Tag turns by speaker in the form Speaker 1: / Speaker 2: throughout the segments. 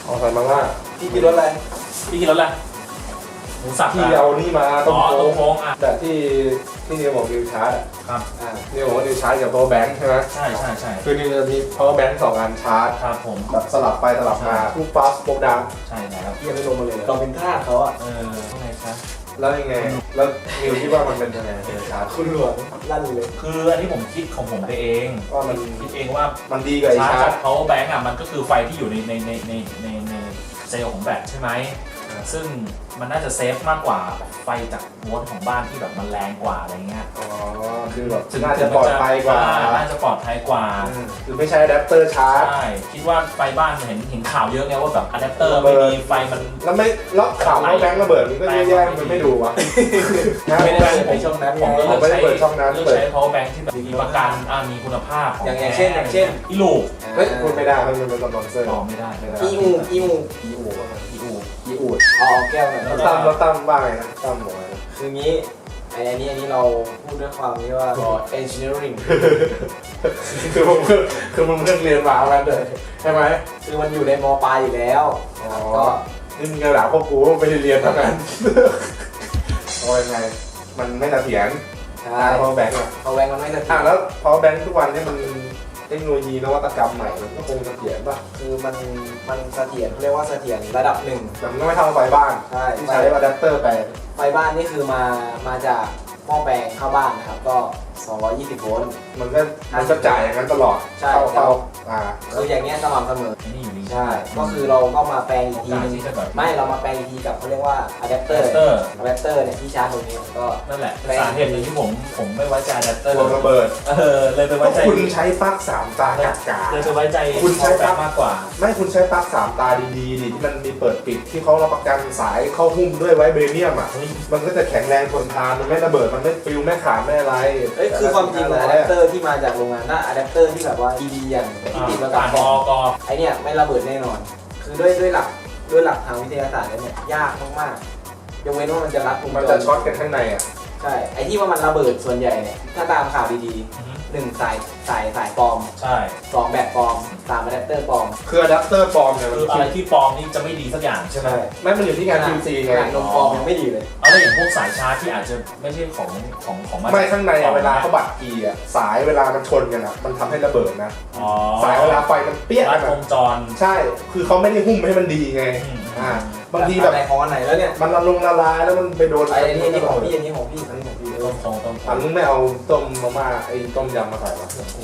Speaker 1: เอาใส่มาล่า
Speaker 2: พี่กินรสอะไร
Speaker 3: พี่กินรสอะไรหมูสับ
Speaker 1: ที่เอานี่มาตรง
Speaker 3: ตรง
Speaker 1: โค้
Speaker 3: โค้
Speaker 1: ง
Speaker 3: งอ่ะ
Speaker 1: แต่ที่นิวบอกนิวชาร์จ
Speaker 3: ครับ
Speaker 1: นิวบอกว่านิวชาร์จกับ power bank ใช่ไหม
Speaker 3: ใช่ใช่ใช่
Speaker 1: คือนิวจะมี power bank 2 อันชาร์จ
Speaker 3: ครับผม
Speaker 1: แบบสลับไปสลับมาทุก fast ปุ๊บดัง
Speaker 3: ใช่แล้ว
Speaker 2: พี่ยังไม่ลงมาเลยลองเป็นท่าเขาอ่ะ
Speaker 3: ข้างในครับ
Speaker 1: แล้วยังไง แล้วนิวคิดว่ามันเป็นยังไงนิวชาร์จ
Speaker 2: คุณหลวงลั่นเลย
Speaker 3: คืออันนี้ผมคิดของผมไปเอง
Speaker 1: ว่ามัน
Speaker 3: คิดเองว่า
Speaker 1: มันดีกว่าไอ้
Speaker 3: ชา
Speaker 1: ชา
Speaker 3: ร์
Speaker 1: ร์
Speaker 3: จ
Speaker 1: จ
Speaker 3: power bank อ่ะมันก็คือไฟที่อยู่ในเซลล์ของแบตใช่ไหมซึ่งมันน่าจะเซฟมากกว่าไฟจากโวลต์ของบ้านที่แบบมันแรงกว่าอะไรเงี้ย
Speaker 1: อ๋อคือแบบน่าจะปลอดภัยกว่า
Speaker 3: น่าจะปลอดภัยกว่า
Speaker 1: คือไม่ใช่อะแดปเตอร์ชาร์จ
Speaker 3: ใช่คิดว่าไฟบ้านเห็นข่าวเยอะไงว่าแบบอะแดปเตอร์
Speaker 1: ระเบิ
Speaker 3: ไม่
Speaker 1: ด
Speaker 3: มีไฟมัน
Speaker 1: แล้วไม่แล้วข่าวว่าแบงค์ระเบิดมันก็แย่ๆมันไม่ดูวะ
Speaker 2: ไม่ได้ไปช่องนั้นไง
Speaker 3: ผมก็
Speaker 1: ไม่ได้เปิดช่องนั้น
Speaker 3: เลือก
Speaker 1: เปิด
Speaker 3: ใช้ power bank ที่แบบมีประกันมีคุณภาพของ
Speaker 2: อย่างเช่น
Speaker 3: อีลูก
Speaker 1: เฮ้ยพูดไม่ได้มันเป็นสปอนเซอร์
Speaker 3: บอกไม่ได้
Speaker 2: อีอู
Speaker 3: อีอู
Speaker 1: อีอูด
Speaker 2: เอาแก้วหน่อย
Speaker 1: แล้วตั้มว่าไงนะตั้มบอกไงนะ
Speaker 2: คืองี้อันนี้เราพูดด้วยความที่ว่า engineering
Speaker 1: คือมึงเพิ่งเรียนมาแล้วเลยใช่ไหม
Speaker 2: คือมันอยู่ในมปลายอยู่แล้ว ก็
Speaker 1: นี่มึงกระดาษพวกกูไม่ได้เรียนเท่านั้นเอายังไงมันไม่เสถียร
Speaker 2: ใช่
Speaker 1: พอแบงค์อ่ะ
Speaker 2: เอาแวงมันไม่เสถียร
Speaker 1: แล้วพอแบงค์ทุกวันนี้มันเทคโนโลยีนวัตกรรมใหม่มันก็คงเสถียรป่ะ
Speaker 2: คือมันเสถียรเขาเรียกว่าเสถียรระดับหนึ่ง
Speaker 1: แต่มันก็ไม่เท่าไฟบ้าน
Speaker 2: ใช่
Speaker 1: ที่ใช้อะแดปเตอร์ไป
Speaker 2: ไฟบ้านนี่คือมาจากหม้อแปลงเข้าบ้านนะครับก็ 220 โวลต์
Speaker 1: มันก็จ่ายอย่างนั้นตลอด
Speaker 2: ใช่
Speaker 1: เข้า
Speaker 2: คืออย่างเงี้ยสม่ำเสมอ
Speaker 3: ไอ้นี่อยู่นี่
Speaker 2: ใช่ ก็คือเราก็มาแปลงอีกที
Speaker 3: การ
Speaker 2: นึง
Speaker 3: ที่จะแบบ
Speaker 2: ไม่เรามาแปลงอีกทีกับเขาเรียกว่าอะแดปเตอร์เนี่ยที่ชาร์จตรงนี้ก็
Speaker 3: นั่นแหละสาเหตุหนึ่งที่ผมไม่ไว้ใจอะแดปเตอร์
Speaker 1: วงระเบิด
Speaker 3: เลยไป
Speaker 1: ก็
Speaker 3: ไว้ใจ
Speaker 1: คุณใช้ปลั๊ก3 ตากากา
Speaker 3: เลยไปไว้ใจ
Speaker 1: คุณใช้ปลั๊ก
Speaker 3: มากกว่า
Speaker 1: ไม่คุณใช้ปลั๊ก3 ตาดีๆดิที่มันมีเปิดปิดที่เขารับประกันสายเข้าหุ้มด้วยไว้เบรเนียมอ่ะ
Speaker 3: เฮ้ย
Speaker 1: มันก็จะแข็งแรงทนทานมันไม่ระเบิดมันไม่ฟิวไม่ขาดไม่อะไร
Speaker 2: คือความจริงอะแดปเตอร์ที่มาจากโรงงานน่ะอะแดปเตอร์ที่แบบว่าดีๆอย่างที่ติดมากับ
Speaker 3: ผ่าน
Speaker 2: ก
Speaker 3: อ
Speaker 2: ล่อง
Speaker 3: ก
Speaker 2: ไอเนี่ยไม่ระเบิดแน่นอน คือด้วยหลักทางวิทยาศาสตร์แล้วเนี่ยยากมากๆยกเว้นว่ามันจะรัดวง
Speaker 1: มัน
Speaker 2: จ
Speaker 1: จะ
Speaker 2: ร
Speaker 1: ช็อตกันข้างในอ่ะ
Speaker 2: ใช่ ไอที่ว่ามันระเบิดส่วนใหญ่เนี่ยถ้าตามข่าวดีๆ1 สายปลอม
Speaker 3: ใช่
Speaker 2: 2 แบตปลอม3 อะแดปเตอร์ปลอม
Speaker 1: คืออะแดปเตอร์ปลอมเนี่ย
Speaker 3: คืออะไรที่ปลอมนี่จะไม่ดีสักอย่างใช่ไหม
Speaker 1: ไม่มันอยู่ที่งาน QC ไง
Speaker 2: นมปลอมยังไม่ดีเลย
Speaker 3: เอาแล้วอย่างพวกสายชาร์จที่อาจจะไม่ใช่ของมัน
Speaker 1: ไม่ข้างในอะเวลาเขาบัดกีอ่ะสายเวลามันชนกันอ่ะมันทำให้ระเบิดนะ
Speaker 3: อ๋อ
Speaker 1: สายเวลาไฟมันเปี้ย
Speaker 3: รั
Speaker 1: กั
Speaker 3: ด
Speaker 1: น
Speaker 3: ว
Speaker 1: อะ
Speaker 3: งจร
Speaker 1: ใช่ คือเขาไม่ได้หุ้มให้มันดีไงบางทีแบบ
Speaker 2: ไหนของอันไหนแล้วเนี่ย
Speaker 1: มันละลายแล้วมันไปโดน
Speaker 2: ไอ้นี่ของพี่อันนี้ของพี่อันนี้ของพี่
Speaker 3: ต้ม
Speaker 1: อันนึงไม่เอาต้มมาม่าไอ้ต้มยำมาใส่วะ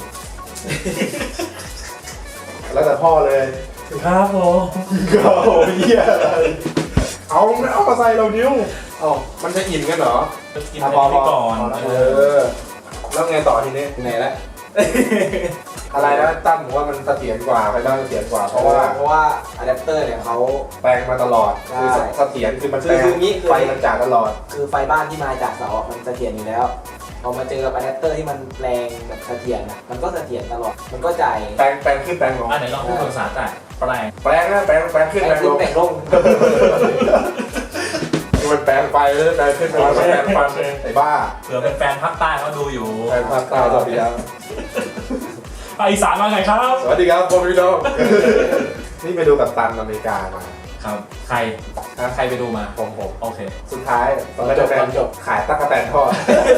Speaker 1: แล้วแต่พ่อเลย
Speaker 3: ครับผม
Speaker 1: ก็โอ้ยเหี้ยอะไรเอาไม่เอามาใส่เรานิ้วเอามันจะอิ่มกันเหรอ
Speaker 3: จะกินอะไรไปก่อน
Speaker 1: แล้วไงต่อทีนี้
Speaker 2: ไหนละ
Speaker 1: อะไรนะตั้มผมว่ามันเสถียรกว่าไปบ้างเสถียรกว่าเพราะว่า
Speaker 2: อะแดปเตอร์เนี่ยเขา
Speaker 1: แปลงมาตลอด
Speaker 2: ใช่
Speaker 1: คือเสถียรคือมันแปลง
Speaker 2: คืองี้คือ
Speaker 1: ไฟมันจ่ายตลอด
Speaker 2: คือไฟบ้านที่มาจากเสาอะมันเสถียรอยู่แล้วพอมาเจอกับอะแดปเตอร์ที่มันแปลงแบบเสถียรนะมันก็เสถียรตลอดมันก็จ่าย
Speaker 1: แปลงขึ้นแปลงลง
Speaker 3: อันไหนลองพูดภาษาใต้แปลง
Speaker 1: แปลงนะแปลงขึ้น
Speaker 2: แปล
Speaker 1: แปล
Speaker 2: ง
Speaker 1: ง
Speaker 2: ขึ้
Speaker 1: ล
Speaker 2: น
Speaker 1: ง
Speaker 2: แปลงลง
Speaker 1: คือมันแปลงไปแล้วแปลงขึ้นแปลงลงแปลงฟันไอ้บ้า
Speaker 3: เผื่อเป็นแฟนภาคใต้เขาดูอยู่
Speaker 1: แปลงภาคใต้สวัสดีครับ
Speaker 3: ภาคอีสานมาไงครับ
Speaker 1: สวัสดีครับผมพี่น้องนี่ไปดูกับตันอเมริกามา
Speaker 3: ครับใครไปดูมา
Speaker 1: ผม
Speaker 3: โอเค
Speaker 1: สุดท้ายตอนแรกขายตั๊กแตนทอด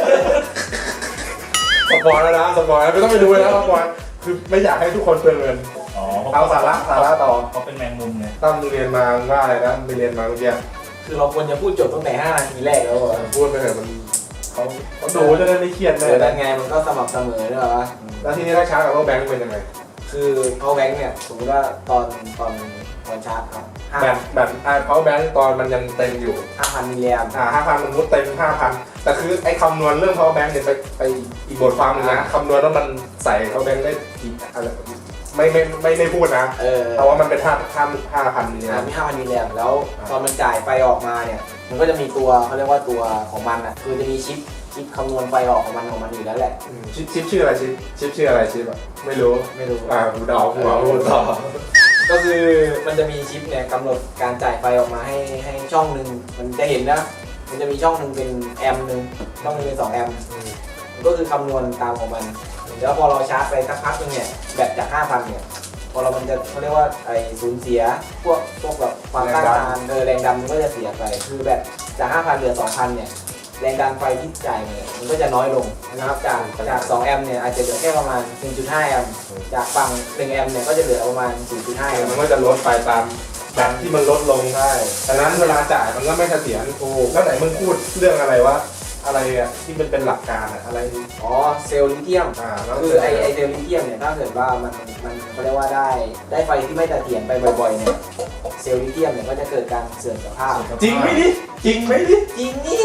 Speaker 1: สปอยแล้วนะสปอยไม่ต้องไปดูเลยนะสปอยคือไม่อยากให้ทุกคนเปลืองเงิน
Speaker 3: อ๋อ
Speaker 1: เอาสาระต่อ
Speaker 3: เขาเป็นแมงมุมไง
Speaker 1: ตั้มเรียนมาว่าอะไรนะไปเรียนมาเมื่อกี้
Speaker 2: คือเราควรจะพูดจบตั้งแต่5 นาทีแรกแล้วอะ
Speaker 1: พูดไปเถอะมันเขาดูจะได้ไม่เครียดเล
Speaker 2: แต่
Speaker 1: ย
Speaker 2: ไงมันก็สม่ำเสมอด้วยวะ
Speaker 1: แล้วทีนี้ถ้าช้ากับว่าแบงค์เป็นยังไง
Speaker 2: คือเขาแบงค์เนี่ยสมมติว่าตอนชาร์จครับ
Speaker 1: แบบเพาแบงค์ตอนมันยังเต็มอยู่
Speaker 2: 5,000 มิลลิแอมป์
Speaker 1: 5,000มันมุดเต็ม 5,000 แต่คือไอ้คำนวณเรื่อง power bank เนี่ยไปอีกบทความหนึงนะคำนวณว่ามันใส่ power bank ได้กี่อะไรไม่พูดนะแต่ว่ามันเป็น5,000 มิลลิแอมป์
Speaker 2: มี 5,000 มิลลิแอมป์แล้วตอนมันจ่ายไฟออกมาเนี่ยมันก็จะมีตัวเขาเรียกว่าตัวของมันอ่ะคือจะมีชิปคำนวณไฟออกของมันอยู่แล้วแหละ
Speaker 1: ชิปชื่ออะไรชิปชื่ออะไรชิปอ่ะไม่รู้ กูเดาหัวกูต่อ
Speaker 2: ก็คือมันจะมีชิปเนี่ยกำหนดการจ่ายไฟออกมาให้ช่องหนึ่งมันจะเห็นนะมันจะมีช่องหนึ่งเป็นแอมป์หนึ่งช่องหนึงเป็น2 แอมป์มันก็คือคำนวณตามของมันแล้วพอเราชาร์จไปสักพักนึงเนี่ยแบตจาก 5,000 เนี่ยพออเรามันจะเขาเรียกว่าไอ้สูญเสียพวกแบบความต้านทานแรงดันมันก็จะเสียไปคือแบบจาก 5,000 เหลือ 2,000 เนี่ยแรงดันไฟที่จ่ายเนี่ยมันก็จะน้อยลงนะครับจาก2 แอมป์เนี่ยอาจจะเหลือแค่ประมาณ 1.5 แอมป์จากฝั่ง1 แอมป์เนี่ยก็จะเหลือประมาณ 0.5 แอมป์
Speaker 1: มันก็จะลดไปตามแบบที่มันลดลงได้ดังนั้นเวลาจ่ายมันก็ไม่เสถียรแล้วไหนมึงพูดเรื่องอะไรวะอะไรอะที่มันเป็นหลักการอะอะไรนี่
Speaker 2: อ๋อเซลล์ลิเธียม
Speaker 1: แล้ว
Speaker 2: คือไอเซลล์ลิเธียมเนี่ยถ้าเกิดว่ามันเขาเรียกว่าได้ไฟที่ไม่เสถียรไปบ่อยๆเนี่ยเซลล์ลิเธียมเนี่ยก็จะเกิดการเสื่อมสภาพ
Speaker 1: จริงไหมดิจริงไหมดิ
Speaker 2: จริงนี่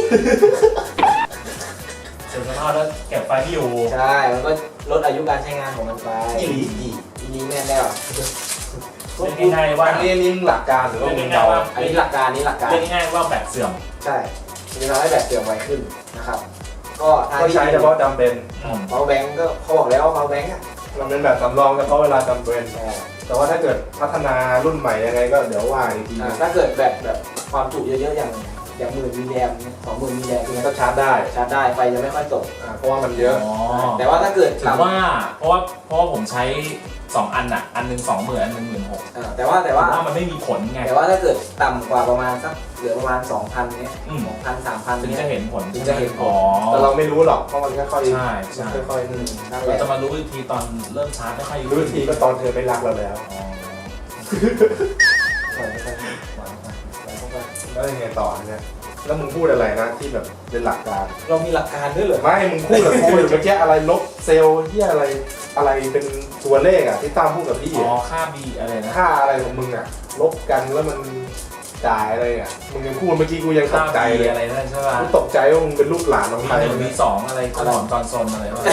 Speaker 3: เสื่อมสภาพแล้วเก็บไฟไม่อยู่
Speaker 2: ใช่มันก็ลดอายุการใช้งานของมันไป
Speaker 1: อีหลี
Speaker 2: ทีนี้แน่แล้ว
Speaker 3: เรียกง่ายๆว่า
Speaker 1: อันนี้หลักการหรือว่ามึงเดา
Speaker 2: อันนี้หลักการนี้หลักการ
Speaker 3: เรียกง่ายๆว่าแบตเสื่อม
Speaker 2: ใช่จะทำให้แบตเสื่อมไวขึ้นนะครับก็ทาง
Speaker 1: ก็
Speaker 2: ที่
Speaker 1: ใช้เฉพาะจำเป็น
Speaker 2: เมาส์แบงก์ก็เขาบอกแล้วว่าเมาส์แบงก์อ่ะ
Speaker 1: มันเป็นแบบสำรองเฉพาะเวลาจำเป็น แต่ว่าถ้าเกิดพัฒนารุ่นใหม่ยังไงก็เดี๋ยวว่าอีกทีนึง
Speaker 2: ถ้าเกิดแบบความจุเยอะๆอย่าง10,000 มิลลิแอมป์20,000 มิลลิแอมป์
Speaker 1: มันก็ชาร์จได้
Speaker 2: ชาร์จได้ไฟจะไม่ค่อยตก
Speaker 1: เพราะว่ามันเยอะ
Speaker 3: อ๋อ
Speaker 2: แต่ว่าถ้าเกิด
Speaker 3: ถือว่าเพราะว่าผมใช้ 2 อันอ่ะ อันหนึ่ง20,000อันหนึ่ง16,000
Speaker 2: แต่ว่า
Speaker 3: แต่ว่ามันไม่มีผลไง
Speaker 2: แต่ว่าถ้าเกิดต่ำกว่าประมาณสักเหลือประมาณ 2,000 เนี้ย
Speaker 3: อืม
Speaker 2: 2,000 3,000
Speaker 3: ถึง
Speaker 2: เนี้
Speaker 3: จะ
Speaker 2: ย
Speaker 3: เห็นผล
Speaker 2: ถึงจะเห็นผล
Speaker 3: อ๋อ
Speaker 1: แต่เราไม่รู้หรอกเพราะมันค่อยๆ
Speaker 3: ใช่
Speaker 1: มันค่อย
Speaker 2: นั่นแห
Speaker 3: เรา
Speaker 2: ละ
Speaker 3: จะมารู้อีกทีตอนเริ่มชาร์จไม่ค่อย
Speaker 1: ๆรู้อีกทีก็ตอนเธอไม่รักเราแล้ว
Speaker 3: อ๋อ
Speaker 2: ปล่อยเข้าไปปล่อยเข้าไป
Speaker 1: แล้วยังไงต่อเนี่ยแล้วมึงพูดอะไรนะที่แบบเป็นหลักการ
Speaker 2: เรามีหลักการด้วยเหรอ
Speaker 1: ไม่มึงพูดกับกูอยู่เมื่อกี้อะไรลบเซลล์ที่อะไรเป็นตัวเลขอะที่ตามพูดกับพี่
Speaker 3: อ๋อ
Speaker 1: อะ
Speaker 3: ค่า B อะไรนะ
Speaker 1: ค่าอะไรของมึงอะลบกันแล้วมันจ่ายอะไรอะมึงยังพูดเมื่อกี้กูยังต
Speaker 3: ค่าก
Speaker 1: ใจ
Speaker 3: B
Speaker 1: เลย
Speaker 3: อะไรนั่นใช่ป่ะ
Speaker 1: กูตกใจว่ามึงเป็นลูกหลานของใคร
Speaker 3: มี1 มี 2อะไรก่อนตอนซนอะไรวะ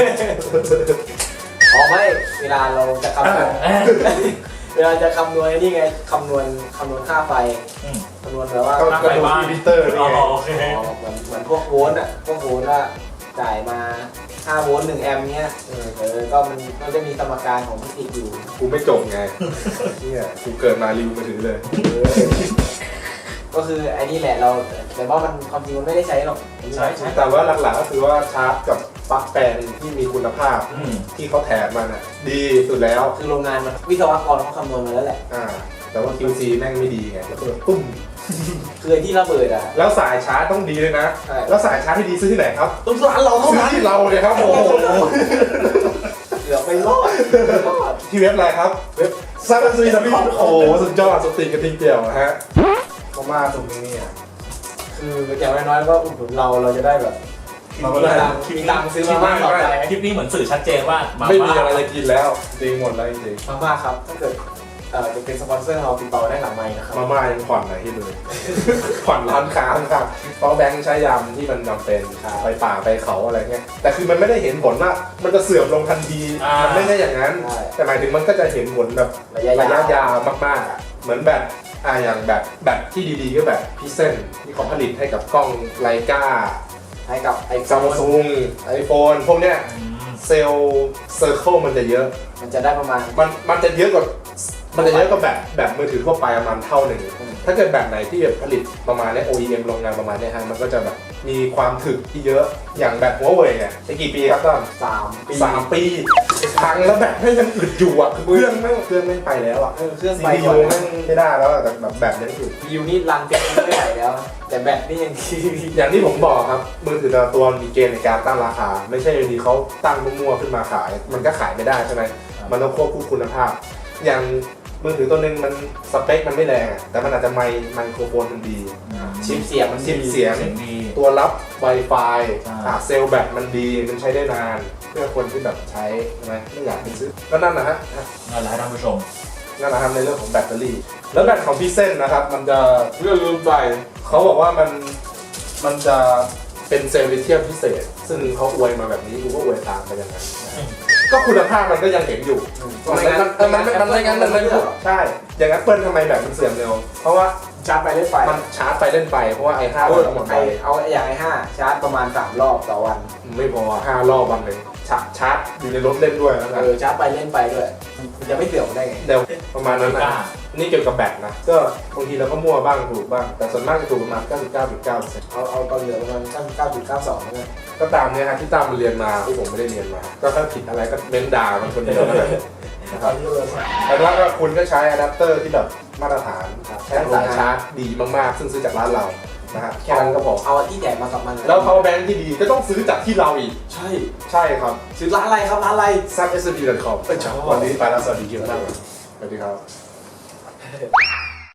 Speaker 2: อ๋อไม่เวลาเราจะคำนวณเวลาจะคำนวณนี่ไงคำนวณค่าไฟ
Speaker 3: อืม
Speaker 2: คำนวณแบบว่า
Speaker 1: ก็ดูที่พิเตอร์นี่
Speaker 3: อ๋อ
Speaker 1: ไง
Speaker 3: โอเค
Speaker 2: เหมือนพวกโวลต์อ่ะพวกโวลต์ว่าจ่ายมา5 โวลต์ 1 แอมป์เนี้ยก็มันก็จะมีสมการของฟิสิกส์อยู่
Speaker 1: กูไม่จบไงเนี่ยกูเกิดมารีวิวมาถือเลย
Speaker 2: ก็คือไอ้นี่แหละเราแต่ว่ามันความจริงมันไม่ได้ใช้หรอก
Speaker 3: ใช่ใช่
Speaker 1: แต่ว่าหลักๆก็คือว่าชาร์จกับปลั๊กแปลงที่มีคุณภาพ
Speaker 3: อืม
Speaker 1: ที่เขาแถมมันอะดีสุดแล้ว
Speaker 2: คือโรงงานมันวิศวกรเขาคำนวณมาแล้วแหละ
Speaker 1: แต่ว่า QC แม่งไม่ดีไงแล้วก็ตุ้ม
Speaker 2: คือไอ้ที่ระเบิดอ่ะ
Speaker 1: แล้วสายชาร์จต้องดีเลยนะ
Speaker 2: ใช่
Speaker 1: แล้วสายชาร์จที่ดีซื้อที่ไหนครับ
Speaker 2: ต้องร้านเราเท่า
Speaker 1: ซื้อ
Speaker 2: นั้น
Speaker 1: ที่เราเลยครับโอ้โห
Speaker 2: เหลือไปรอด
Speaker 1: ที่เว็บอะไรครับ เว็บซัมซุงโอ้โหสุดยอดสติกระทิงเดียวนะฮะเขามาตรงนี้อ่ะ
Speaker 2: คืออย่างน้อยๆก็อุดหนุนเราจะได้แบบ
Speaker 1: เราก็ได้
Speaker 2: มีตังค์ซื้อมาม่าต่อไป
Speaker 3: คลิปนี้เหมือนสื่อชัดเจนว่ามา
Speaker 1: ไม่มี
Speaker 3: ม่า
Speaker 1: อะไรจะกินแล้วจริงหมดแล้วจริง
Speaker 2: มาม่าครับถ้าเกิดจะเป็นสปอนเซอร์เราติดต่อได้หลังไมค์นะครับ
Speaker 1: มาม่ายังผ่อนไหนที่เลย ผ่อนร้านค้าครับเพราะแบงค์ใช้ยำที่มันจำเป็นไปป่าไปเขาอะไรเงี้ยแต่คือมันไม่ได้เห็นผลว่ามันจะเสื่อมลงทันทีมันไม่ได้อย่างนั้น แต่หมายถึงมันก็จะเห็นผลแบบ
Speaker 2: ระยะ
Speaker 1: ระยะ
Speaker 2: ยาว
Speaker 1: ยาวมากๆอ่ะเหมือนแบบอย่างแบบที่ดีๆก็แบบพิเซนที่เขาผลิตให้กับกล้องไลกา
Speaker 2: ให้กับไอ้
Speaker 1: ซัมซุงไอโฟนพวกเนี้ย
Speaker 3: อืม
Speaker 1: เซลล์เซอร์เคิลมันจะเยอะ
Speaker 2: มันจะได้ประมาณ
Speaker 1: มันจะเยอะกว่าแบบมือถือทั่วไปประมาณเท่าหนึ่งถ้าเกิดแบบไหนที่แบบผลิตประมาณเนี้ย OEM โรงงานประมาณเนี้ยฮะมันก็จะแบบมีความถึกที่เยอะอย่างแบบหัวเว่ยเนี่ยจะกี่ปีครับต้น
Speaker 2: 3 ปี
Speaker 1: 3 ปีพังแล้วแบบไม่ยังอึดอยู่อ่ะคือเครื่องไม่ไปแล้วอ่ะ
Speaker 2: เครื่อง
Speaker 1: ซี
Speaker 2: ไป
Speaker 1: พี
Speaker 2: ก่
Speaker 1: ยู
Speaker 2: อน
Speaker 1: ไม่ได้แล้วอะแต่แบบนี้คือ
Speaker 2: ยูนี่รันเป็นไม่ไหวแล้ว แต่แบตนี่ยัง
Speaker 1: อย่างที่ผมบอกครับมือถือแต่ละตัวมีเกณฑ์ในการตั้งราคา ไม่ใช่อยู่ดีเขาตั้งมั่วๆขึ้นมาขาย มันก็ขายไม่ได้ใช่ไหมมันต้องควบคู่คุณภาพ อย่างมือถือตัวหนึงมันสเปคมันไม่แรงอะแต่มันอาจจะไมโครโฟนมันดี
Speaker 2: ชิปเสียงมัน
Speaker 1: ชิปเสียง
Speaker 3: เสียงดี
Speaker 1: ตัวรับ Wi-Fi
Speaker 3: ใช่
Speaker 1: เซลล์แบตมันดีมันใช้ได้นาน เพื่อคนที่แบบใช้ใช่ไหมไม่อยากไปซื้อก็นั่นนะฮะ
Speaker 3: นั่นแหละท่านผู้ชม
Speaker 1: นั่นนะครับในเรื่องของแบตเตอรี่ แล้วแบตของพี่เส้นนะครับ มันจะ
Speaker 2: เรื่องลืมไป
Speaker 1: เขาบอกว่ามันจะเป็นเซลล์ลิเธียมพิเศษ ซึ่งเขาอวยมาแบบนี้กูก็อวยตามไปอย่างนั้นนะก็คุณภาพมันก็ยังเห็นอยู่มันไม่งั้นมันไม่พูดใช่ อย่างนั้นเปิ้ลทำไมแบตมันเสื่อมเร็ว เพราะว่า
Speaker 2: ชาร์จไปเล่นไป
Speaker 1: มันชาร์จไปเล่นไปเพราะว่า i5 มันต้องหมดไป
Speaker 2: เอาอย่างi5 ชาร์จประมาณ3 รอบต่อวัน
Speaker 1: ไม่พอ5 รอบวันหนึ่งชาร์จอยู่ในรถเล่นด้วยแล้วกัน
Speaker 2: ชาร์จไปเล่นไปด้วยมันจะไม่เสื่อมได้ไง
Speaker 1: เดี๋ยวประมาณนั้นนะนี่เกี่ยวกับแบตนะ ก็บางทีเราก็มั่วบ้างถูกบ้าง แต่ส่วนมากจะถูกประมาณ 99.9%
Speaker 2: เอาตอนเหลือประมาณ99.92แล้วกัน
Speaker 1: ก็ตามเนี้ยฮะที่ตามมันเรียนมาที่ผมไม่ได้เรียนมา ก็ถ้าผิดอะไรก็เม้นด่ามันคนเดียวแล้วกันนะครับแล้วก็คุณก็ใช้อะแดปเตอร์ที่แบบมาตรฐานใช้สายชาร์จดีมากๆซึ่งซื้อจากร้านเรานะครับแค่นั้นก็พอ
Speaker 2: เอาที่ใหญ่มากับมัน
Speaker 1: แล้ว power bank ที่ดีก็ต้องซื้อจากที่เราอีก
Speaker 2: ใช่
Speaker 1: ใช่ครับ
Speaker 2: ซื้อร้านอะไรครับร้านอะไร
Speaker 1: ซับ SMD.com วันนี้ไปแล้วสวัสดีครับสวัสดีครับ